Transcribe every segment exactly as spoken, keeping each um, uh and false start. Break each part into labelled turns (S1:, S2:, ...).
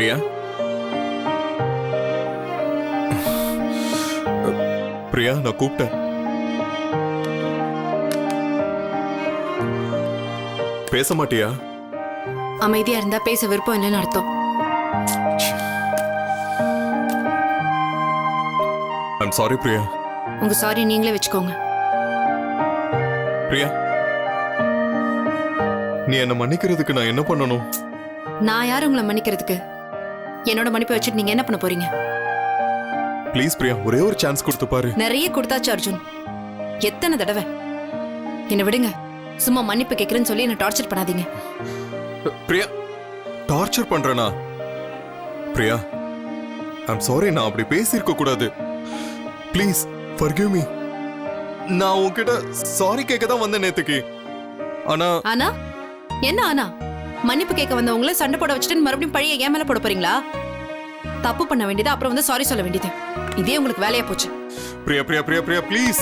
S1: பிரியா பிரியா நான் கூப்பிட்டேன். பேச மாட்டியா?
S2: அமைதியா இருந்தா பேச விருப்பம் இல்லைன்னு அர்த்தம்.
S1: I'm sorry Priya.
S2: உங்க சாரி நீங்களே வச்சுக்கோங்க.
S1: பிரியா நீ என்ன மன்னிக்கிறதுக்கு நான் என்ன பண்ணணும்?
S2: நான் யார் உங்களை மன்னிக்கிறதுக்கு? என்னோட மன்னிப்பை வச்சுட்டு நீங்க என்ன பண்ண போறீங்க?
S1: ப்ளீஸ் பிரியா ஒரே ஒரு சான்ஸ் கொடுத்து பாரு.
S2: நிறைய கொடுத்தாச்சு அர்ஜுன். எத்தனை தடவை? என்ன விடுங்க. சும்மா மன்னிப்பு கேட்கறேன்னு சொல்லி என்ன டார்ச்சர் பண்ணாதீங்க.
S1: பிரியா டார்ச்சர் பண்றேனா? பிரியா ஐம் சாரி, நான் அப்படி பேசியிருக்க கூடாது. Please forgive me. நான் உன்கிட்ட சாரி கேட்க தான் வந்தேன் நேத்துக்கு. ஆனா
S2: ஆனா என்ன ஆனா? மன்னிப்பு கேட்க வந்தவங்கள சண்டை போட வச்சுட்டு மறுபடியும் பழைய ஏன் மேல போட போறீங்களா? தப்பு பண்ண வேண்டியது அப்புறம் வந்து சாரி சொல்ல வேண்டியது. இதே உங்களுக்கு வேலையா போச்சு.
S1: பிரியா பிரியா பிரியா பிரியா ப்ளீஸ்.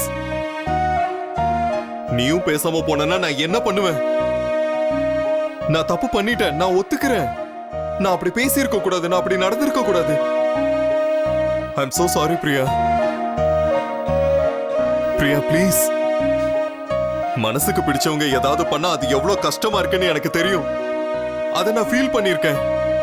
S1: நீயும் பேசாம போனா நான் என்ன பண்ணுவேன்? நான் தப்பு பண்ணிட்டேன், நான் ஒத்துக்கிறேன். நான் அப்படி பேசி இருக்க கூடாது, நான் அப்படி நடந்திருக்க கூடாது. I am so sorry Priya. Priya please. மனசுக்கு பிடிச்சவங்க ஏதாவது பண்ணா அது எவ்வளவு கஷ்டமா இருக்குன்னு எனக்கு தெரியும். அதை நான் ஃபீல் பண்ணிருக்கேன்.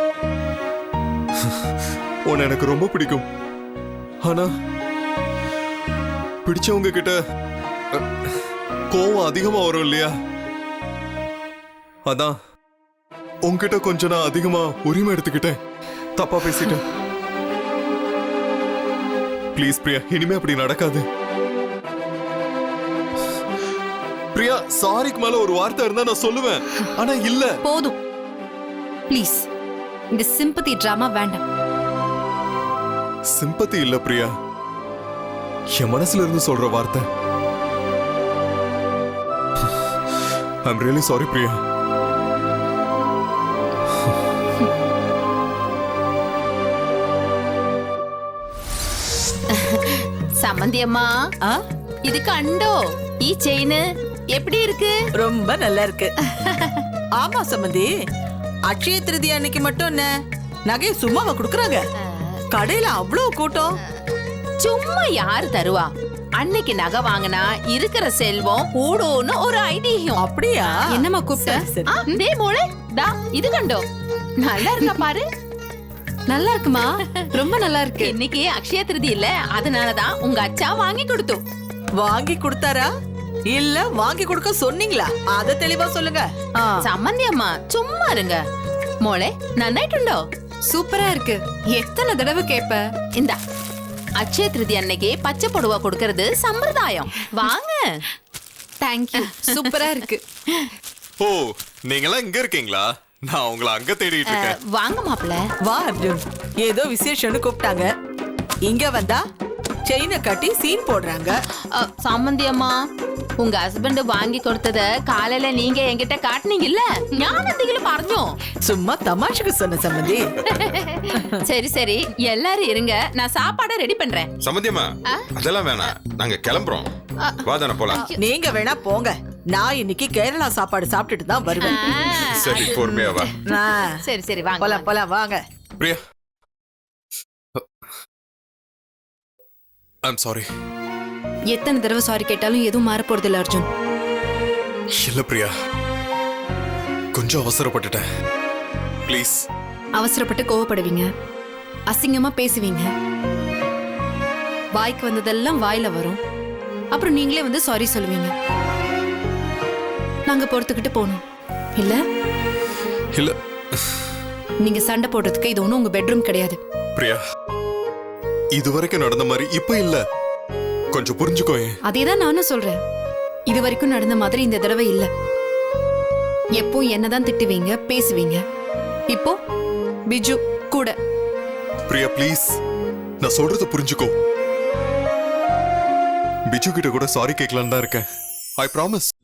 S1: உன்னை எனக்கு ரொம்ப பிடிக்கும். ஆனா பிடிச்சவங்க கிட்ட கோவம் அதிகமா வரும் இல்லையா? அதான் உன்கிட்ட கொஞ்சம் நான் அதிகமா உரிமை எடுத்துக்கிட்டேன். தப்பா பேசிட்டேன். ப்ளீஸ் பிரியா இனிமே அப்படி நடக்காது. பிரியா சாரிக்கு மேல ஒரு வார்த்தை இருந்தா நான் சொல்லுவேன். ஆனா இல்ல.
S2: போதும் ப்ளீஸ். இந்த சிம்பத்தி டிராமா வேண்டாம்.
S1: சிம்பத்தி இல்ல பிரியா, என் மனசுல இருந்து சொல்ற வார்த்தை. I'm really sorry Priya.
S3: சம்மந்தி அம்மா, இது கண்டோ ஈ செயின் எப்படி இருக்கு?
S4: ரொம்ப நல்லா இருக்கு. ஆமா சம்மந்தி, அட்சய திருதி அன்னைக்கு மட்டும் என்ன நகை சும்மாவா குடுக்கறாங்க? கடையில அவ்வளவு கூட்டம்.
S3: சும்மா யாரு தருவா? அன்னைக்கு நகை வாங்கினா இருக்கிற செல்வம் கூடும்னு ஒரு ஐதீகம்.
S4: அப்படியா?
S2: என்னம்மா கூப்பிட்ட?
S3: டே மோளே, தா இது கண்டோ நல்லா இருக்கா பாரு.
S2: நல்லா இருக்குமா? ரொம்ப நல்லா இருக்கு.
S3: இன்னைக்கு அக்ஷய திருதி இல்ல, அதனாலதான் உங்க அச்சா வாங்கி கொடுத்தோம்.
S4: வாங்கி கொடுத்தாரா இல்ல வாங்கி கொடுக்க சொன்னீங்களா? அத தெளிவா சொல்லுங்க.
S3: சம்மந்தி அம்மா சும்மா இருங்க. மோளே நன்னாയിട്ടുണ്ടോ?
S2: சூப்பரா இருக்கு. எத்தனை தடவை கேப்ப?
S3: இந்த அட்சய திருதி அன்னைக்கு பச்சை புடவை கொடுக்கறது சம்பிரதாயம். வாங்க.
S2: தேங்க்யூ. சூப்பரா இருக்கு.
S1: ஓ நீங்களாம் இங்க இருக்கீங்களா? நான் உங்களை அங்க தேடிட்டு இருக்கேன்.
S3: வாங்க மாப்பிள்ள.
S4: வா அர்ஜுன், ஏதோ விசேஷம்னு கூப்பிட்டாங்க. இங்க வந்தா செயினை கட்டி சீன் போடுறாங்க.
S3: சம்மந்தி அம்மா, உங்க ஹஸ்பண்ட் வாங்கி கொடுத்தத காலையில நீங்க என்கிட்ட காட்டுனீங்கல்ல, ஞானத்தில பறஞ்சோம்.
S4: சும்மா தமாஷுக்கு சொன்ன சம்மந்தி.
S3: சரி சரி எல்லாரும் இருங்க, நான் சாப்பாட ரெடி பண்றேன்.
S5: சம்மந்தியம்மா அதெல்லாம் வேணாம், நாங்க கிளம்புறோம். வாதான போலாம்.
S4: நீங்க வேணா போங்க, நான் இன்னைக்கு கேரளா சாப்பாடு சாப்பிட்டுட்டு தான் வருவேன்.
S5: சரி பொறுமையா வா.
S3: சரி சரி வாங்க
S4: போலாம் போலாம் வாங்க.
S1: Priya I'm sorry.
S2: எத்தனை தடவை சாரி கேட்டாலும் எதுவும் மாற போறது இல்ல அர்ஜுன்.
S1: இல்ல பிரியா, கொஞ்சம் அவசரப்பட்டுட்டேன். ப்ளீஸ்.
S2: அவசரப்பட்டு கோவப்படுவீங்க, அசிங்கமா பேசுவீங்க, வாய்க்கு வந்ததெல்லாம் வாயில வரும். அப்புறம் நீங்களே வந்து சாரி சொல்லுவீங்க. நாங்க பொறுத்துக்கிட்டு போனோம் இல்ல?
S1: இல்ல
S2: நீங்க சண்டை போடுறதுக்கு இது ஒண்ணும் உங்க பெட்ரூம் கிடையாது.
S1: பிரியா இதுவரைக்கும் நடந்த மாதிரி இப்ப இல்ல, கொஞ்சம் புரிஞ்சுக்கோ.
S2: அதேதான் நானும் சொல்றேன். இது வரைக்கும் நடந்த மாதிரி இந்த தடவை இல்ல. எப்போ என்னதான் திட்டுவீங்க, பேசுவீங்க. இப்போ பிஜு கூட.
S1: பிரியா ப்ளீஸ், நான் சொல்றத புரிஞ்சுக்கோ. பிஜு கிட்ட கூட சாரி கேட்கலான்னு தான் இருக்கேன். I promise.